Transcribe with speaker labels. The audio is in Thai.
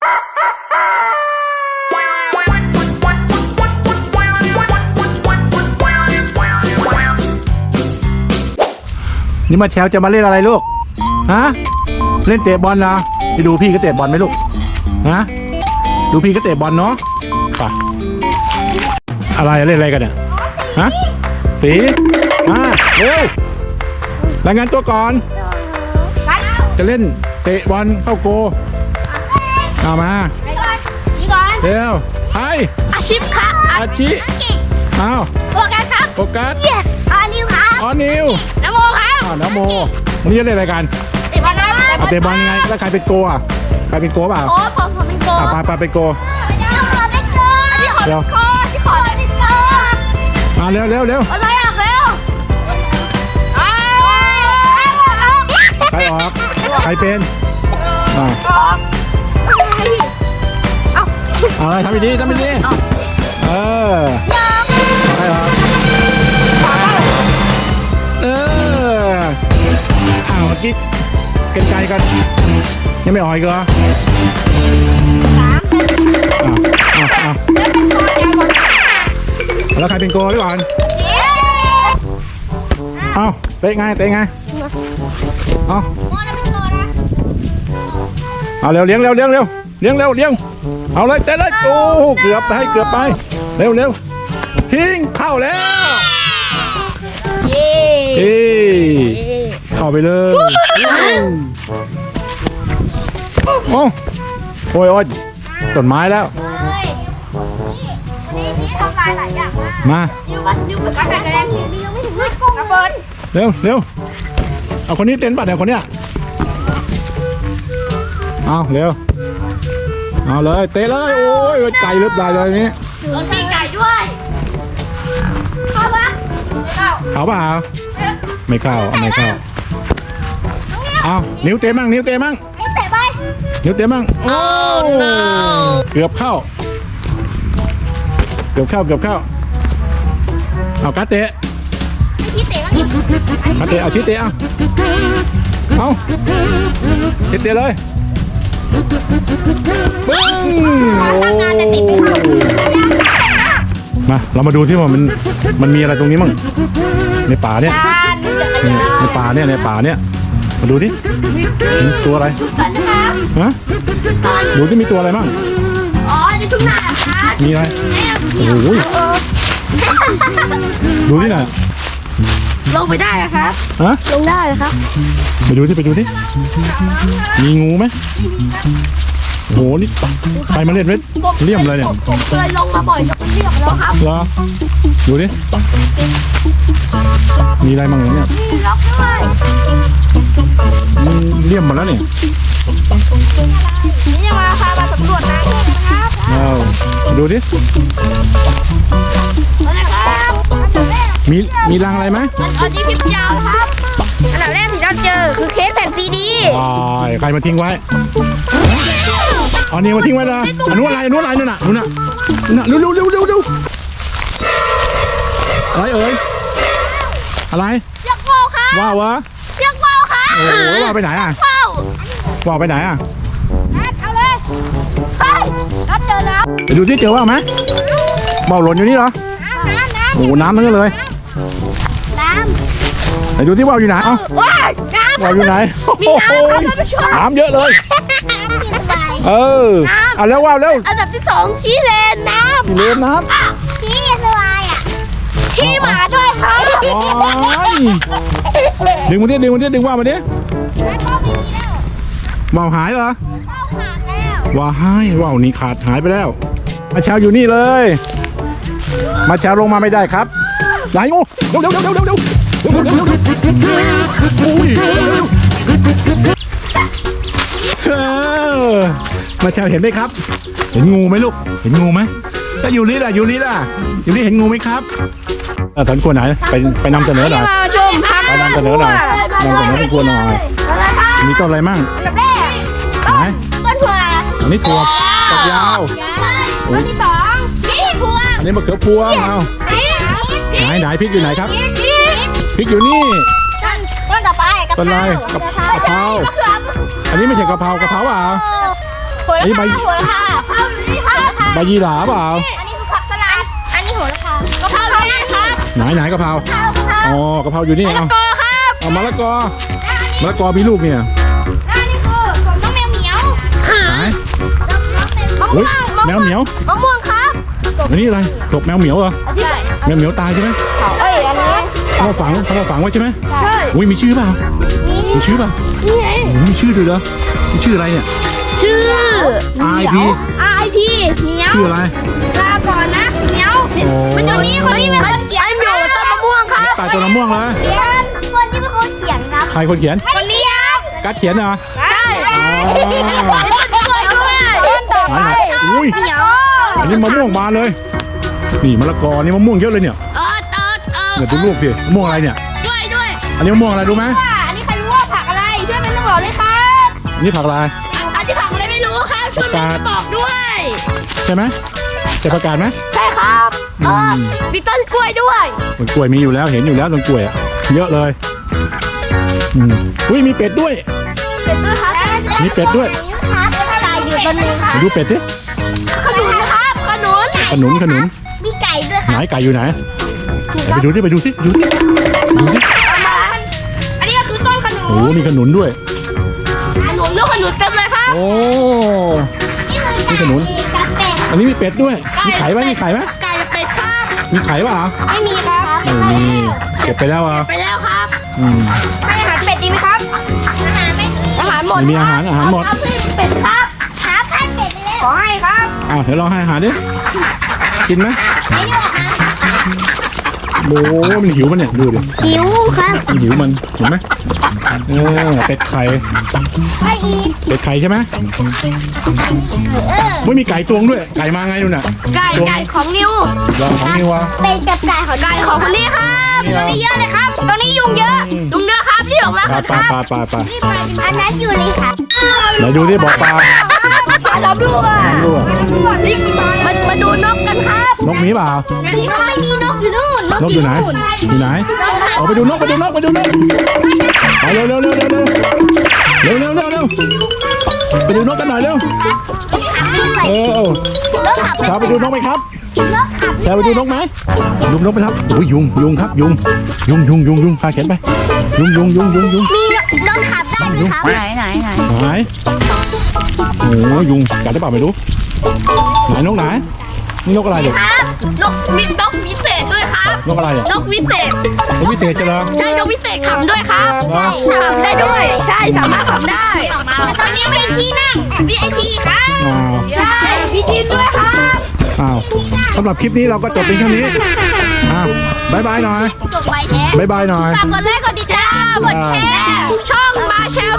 Speaker 1: นี่มาแชวจะมาเล่นอะไรลูกฮะเล่นเตะบอลนะไปดูพี่ก็เตะบอลไหมลูกฮะดูพี่ก็เตะบอลเนาะป่ะอะไรเล่นอะไรกันเนี่ยฮะสีมาเร็วรายงานตัวก่อนจะเล่นเตะบอลเข้าโกเอามาเร็วไป
Speaker 2: อาชีพครับ
Speaker 1: อาชิเอา
Speaker 2: โฟกัสครับ
Speaker 1: โฟกัส
Speaker 2: yes ออนิวครับ
Speaker 1: ออนิว
Speaker 2: น้ำโมครับ
Speaker 1: น้ำโมวันนี้จะเล่นอะไรกัน
Speaker 2: เตะบอลครับ
Speaker 1: เตะบอลยังไงแล้วใครเป็นโกอ่ะใครเป็นโกเปล่า
Speaker 2: โอ้ผมเป็นโก
Speaker 1: ไปเป็นโก
Speaker 2: เป็นโก
Speaker 1: เร็ว
Speaker 2: ที่ขอเป็นโก
Speaker 1: เร็ว
Speaker 2: อะไรอ่ะเร็ว
Speaker 1: ใครออกใครเป็นเอาอะไรทำดีๆเออใครออกเมื่อกี้กันไกลกันยังไม่ออกอีกเหรอแล้วใครเป็นโกด้วยก่อนเอาเตะไงเอาเร็วเลี้ยงเอาเลยเตะเลยโอ้เกือบไปเร็วทิ้งเข้าแล้วเข้าไปเลยโอ้ยต้นไม้แล้ว
Speaker 2: ทำลายหลายอย่าง
Speaker 1: มา
Speaker 2: นิ้วเหมือนกันแรงนิ้วไม่ถึงมือกระเบิด
Speaker 1: เร็วเอาคนนี้เต้นปัดเดี๋ยวคนเนี้ยเอาเร็วเอาเลยเตะเลยโอ้ยไก่ลึกได้เลยนี้
Speaker 2: โดนตีไก่ด้วยเข้าปะ
Speaker 1: เข้าเปล่าไม่เข้าเอานิ้วเตะมั่ง
Speaker 2: เตะไป
Speaker 1: นิ้วเตะมั่งโอ้เกือบเข้าเอากัดเตะ
Speaker 2: ชี้เตะมั้ง
Speaker 1: กัดเตะเอาชี้เตะเอาเตะเลยปึ้งโอ้มาเรามาดูที่ว่ามันมีอะไรตรงนี้มั่งในป่าเนี่ยในป่าเนี่ยมาดูดิตัวอะไรฮะดูที่มีตัวอะไรมั่ง
Speaker 2: อ๋อในทุ่งนาค่ะ
Speaker 1: มีอะไรโอ้โหดูที่ไหน
Speaker 2: ลงไปได้ครับ
Speaker 1: ฮะ
Speaker 2: ลงได้ครับ
Speaker 1: ไปดูที่มีงูไหมโอ้โหนี่ใครมาเล่นเลี่ยมเลยเนี่ย
Speaker 2: ผมเคยลงมาบ่อยจนเลี่ยมแล้วครับ
Speaker 1: เหรอดูดิมีอะไรมั่งเนี่ย
Speaker 2: มีล็อกด้วย
Speaker 1: เลี่ยมหมดแล้วเนี่ย
Speaker 2: นี่ยังมาสำรวจนะครับ
Speaker 1: ดูดิมีรังอะไรไหม
Speaker 2: อันนี้พิมพ์ยาวนะครับอันดับแรกที่เราเจอคือเคสแผ่นซีดี
Speaker 1: ใครมาทิ้งไว้อันนี้มาทิ้งไว้เลยอันนู้นอะไรนู่นน่ะเร็วอะไรเอ่ยอะไร
Speaker 2: เชือกว่าวครับ
Speaker 1: ว่าวะ
Speaker 2: เชือกว่าวครับ
Speaker 1: โอ้โหว่าวไปไหนอ่ะว่าวไปไหนอ่ะ
Speaker 2: เอาเลยเฮ้ยนัดเจอแล้ว
Speaker 1: ไปดูที่เจอว่าวไหมว่าวหล่นอยู่นี่เหรอโอ้น้ำทั้งนั้นเลยไปดูที่ว่าวอยู่ไหนว่าวอยู่ไหนน้ำเยอะเลยเอาแล้วว่าวแล้ว
Speaker 2: อันดับที่2ขี้เลนน้ำ
Speaker 1: ขี้เลนน้
Speaker 2: ำขี้อะไรอ่ะขี้หมาด้วยครับ
Speaker 1: ดึงว่าวมาดิว่าวหายเหรอว่าวนี่หายไปแล้วมาเช้าอยู่นี่เลยมาเช้าลงมาไม่ได้ครับไหนงูเร็วมาเช้าเห็นไหมครับเห็นงูไหมลูกเห็นงูไหมถ้าอยู่นี่ล่ะเห็นงูไหมครับตอนกลัวไหนไปนำเสนอหน่อยไปนำเสนอเป็นกลัวหน่อยมีต้นอะไรมั่งไหน
Speaker 2: ต้นถั่ว
Speaker 1: อันนี้ถั่วฝักยาว
Speaker 2: ต้นที่2นี่พวง
Speaker 1: อันนี้มะเขือพวงไหนพริกอยู่ไหนครับพริกอยู่นี่
Speaker 2: ต้นต่อไป
Speaker 1: ต้นอะไรกะเพราอันนี้ไม่ใช่กะเพราเปล่า
Speaker 2: โหระพาโหระพาข้าวนี่ค่ะ
Speaker 1: ใบยี่หร่าเปล่า
Speaker 2: อันนี้คือผักสลัดอันนี้โหระพากะเพราเนี่ยครับ
Speaker 1: ไหนกะเพราอ๋อกะเพราอยู่นี่เอา
Speaker 2: กอครับ
Speaker 1: เอามะละกอมีลูกเนี่ย
Speaker 2: อันนี้คือผมต้องแมวเหมียว
Speaker 1: ไหน
Speaker 2: มะม่
Speaker 1: เฮ้
Speaker 2: วย ง
Speaker 1: แมวเหมียว
Speaker 2: มะม่วงครับ
Speaker 1: อันนี้อะไรศพแมวเหมียวเหรอ
Speaker 2: ใช่
Speaker 1: แมวเหมียวตายใช่ไหม
Speaker 2: เอ้ยอันนี้
Speaker 1: เขามาฝังไว้ใช่ไหม
Speaker 2: ใช่
Speaker 1: อุ้ยมีชื่อเปล่า
Speaker 2: นี่
Speaker 1: มีชื่อเปล่า
Speaker 2: นี่ไง
Speaker 1: โอ้โหมีชื่อด้วยเหรอมีชื่ออะไรเนี่ย
Speaker 2: ชื่อ
Speaker 1: RIP
Speaker 2: RIP เหมียว
Speaker 1: ชื่ออะไร
Speaker 2: ลาก่อนนะเหมียว
Speaker 1: โอ้
Speaker 2: มันอยู่นี่คนนี้เป็นคนเขียนเหมียวต้นมะม่วงครับ
Speaker 1: ตายตัวน้ำม่วงเลย
Speaker 2: เขียนคนที่เป็นคนเขียนครับ
Speaker 1: ใครคนเขียน
Speaker 2: คนนี้ครับ
Speaker 1: การดเขียนเหรอ
Speaker 2: ใช่ต้นต่อไป
Speaker 1: อุ้ย
Speaker 2: เหมียว
Speaker 1: อันนี้มะม่วงบานเลย นี่มะละกอนี่มะม่วงเยอะเลยเนี่ยเนี่ยดูลูกสิมะม่วงอะไรเนี่ย
Speaker 2: ด้วย
Speaker 1: อันนี้มะม่วงอะไรรู้ไหม
Speaker 2: อันนี้ใครรู้ว่าผักอะไรช่วยเป็นต้องบอกเลยครับ
Speaker 1: อันนี้ผักอะไร
Speaker 2: อันที่ผักอะไรไม่รู้ครับช่วยเป็นบอกด้วย
Speaker 1: ใช่ไหมจะประกาศไหม
Speaker 2: ใช่ครับมีต้นกล้วยด้วย
Speaker 1: ต้นกล้วยมีอยู่แล้วเห็นอยู่แล้วต้นกล้วยอะเยอะเลยอุ้ยมีเป็ดด้วย
Speaker 2: เป็ดด้วยครับ
Speaker 1: มีเป็ดด้วย
Speaker 2: ครับไก่อยู่ต้นนึงครับ
Speaker 1: มาดูเป็ดดิ
Speaker 2: ขนุนครับขนุน
Speaker 1: ขนุน
Speaker 2: มีไก่ด้วยค
Speaker 1: ไหน
Speaker 2: รับ
Speaker 1: ไก่อยู่ไหนไปดูสิดูสิ
Speaker 2: อันนี้ก็คือต้นขนุน
Speaker 1: โอ้มีขนุนด้วย
Speaker 2: ขนุนลูกขนุนเต็มเลยครับ
Speaker 1: โอ้
Speaker 2: นี่
Speaker 1: มีขนุน
Speaker 2: กับเป็ด
Speaker 1: อันนี้มีเป็ดด้วยมีไข่ไหม
Speaker 2: ไก่เป็ดครับ
Speaker 1: มีไข่ป่ะ
Speaker 2: ไม่มีครับ
Speaker 1: ไม่มีเก็บไปแล้วอ่ะ
Speaker 2: ไปแล้วครับ
Speaker 1: อืม
Speaker 2: ให้อาหารเป็ดดีไหมครับอาหารไม่มีอาหารหมด
Speaker 1: ไม่มีอาหารหมด
Speaker 2: ครับให้เป็ดครับครับให้เป็ดไปเลยขอให้ครับ
Speaker 1: อ้าวเดี๋ยวลองให้อาหารดิกินไหม
Speaker 2: ไม่ได้อาหาร
Speaker 1: โอ้มันหิวมันเนี่ยดูดิ
Speaker 2: หิวครับ
Speaker 1: มันหิวมันเห็นไหมเป็ดไข่
Speaker 2: ให้อีก
Speaker 1: เป็ดไข่ใช่ไหมไม่มีไก่ตวงด้วยไก่มาไงดูน่ะ
Speaker 2: ไก่ของนิว
Speaker 1: ลองของนี่วะ
Speaker 2: เป็นกับไก่ของคนนี้ครับตรงนี้เยอะเลยครับตรงนี้ยุงเยอะยุงเยอะครับที่ออกมา
Speaker 1: ปลา
Speaker 2: ครับ อันนั้นอยู่เลยค่ะ
Speaker 1: ไหนดูดิบอกปลา
Speaker 2: เราดูอ่ะ
Speaker 1: ดูอะ
Speaker 2: มาดูนกกันครับ
Speaker 1: นกมีเปล่า
Speaker 2: ไม่มีนกอยู่นู่น
Speaker 1: นกอยู่ไหนอยู่ไหนเอาไปดูนกไปเร็วไปดูนกกันหน่อยเร็วชาวไปดูนกไหมครับชาวไปดูนกไหมดูนกไปครับโอ้ยยุงครับยุงพาเข็นไปยุง
Speaker 2: มีนกขับได้ไหมครับไหน
Speaker 1: ไหนโอ้ยุงกัดได้เปล่าไม่รู้ไหนนกไหนนี่นกอะไรเด็ก
Speaker 2: ครับนกวิเศษด้วยครับ
Speaker 1: นกอะไรเนี่ย
Speaker 2: นกวิเศษ
Speaker 1: นกพิเศษจะเหรอ
Speaker 2: ใช่นกวิเศษขำด้วยครับ
Speaker 1: เหรอ
Speaker 2: ขำได้ด้วย ใช่สามารถขำได้แต่ตอนนี้เป็นที่นั่ง VIP ครับ
Speaker 1: อ้าว
Speaker 2: ใช่พี่จินด้วยครับ
Speaker 1: อ้าวสำหรับคลิปนี้เราก็จบเพียงเท่านี้อ้าวบายบายหน่อย
Speaker 2: จบไวแท้
Speaker 1: บายบายหน่อย
Speaker 2: ฝากกดไลค์กดติดตามกดแชร์ช่องมาแชล